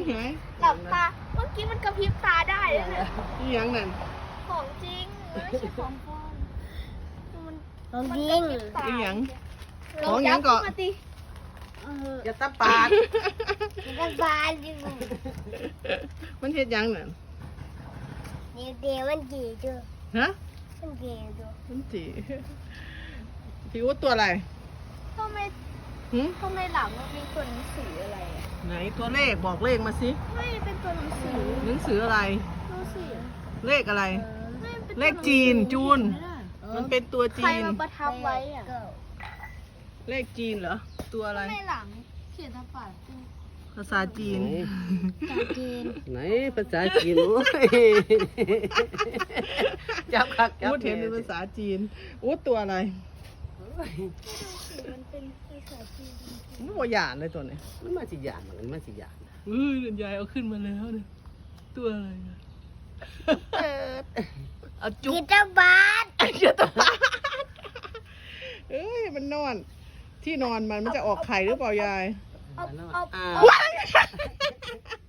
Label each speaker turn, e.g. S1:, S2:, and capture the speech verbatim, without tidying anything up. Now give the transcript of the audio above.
S1: ไง
S2: หลับตาเมื่อกี้มันกระพริบตาได้เลยเนี่ย
S1: นี่ยังนั่น
S2: ของจริงไม่ใช่ของปลอมมัน
S3: ของ
S2: มัน
S3: จริ
S2: ก
S3: ง
S2: ระพริบตา
S1: นี่ยัง
S2: ล
S1: ของหยังก่อน
S2: จับขึ้มาติ
S4: อย่าตะปาด
S3: มันบานอยู่
S1: มันเฮ็ดยังนั่น
S3: เดี๋ยวเดี๋ยวมันจีจู
S1: ฮะ
S3: มันจีจู
S1: มันจีพี่อู๊ดตัวอะไร
S2: ทำไม
S1: หืม
S2: ทำไมหลังมันมีตัวหนังสืออะไรอะ
S1: ไหนตัวเลขบอกเลขมาสิ
S2: ไม่เป็นตัวหนังสือ
S1: หนังสืออะไร
S2: ดูสิ
S1: เลขอะไร
S2: ไม่เป็นตัว
S1: เลขจีนจูน มันเป็นตัว
S2: ใคร
S1: จีน
S2: มาประทับไว้อะ
S1: เลขจีนเหรอ ตัวอะไร
S2: ทำไมหลังเขียนทับปาก
S1: ภาษาจีน
S3: จากจีน
S4: ไหนภาษาจีนโอ้ยจับคักจับ
S1: อู๊ดเห็นเป็นภาษาจีนอู๊ดตัวอะไร
S2: มันเป็นภาษาจีน
S1: มันบ่หยาดเลยตัวเนี้ย
S4: มันมาสิหยานมันมาสิหยาน
S1: เออยายเอาขึ้นมาแล้วเนี่ยตัวอะไรอะเอาจุ๊
S3: กี
S1: บ
S3: ตาร์บาส
S1: เดี๋ยวตัวเอ้ยมันนอน ที่นอนมันมันจะออกไข่หรือเปล่ายาย
S2: เอาเอา
S4: อ่า
S2: เอา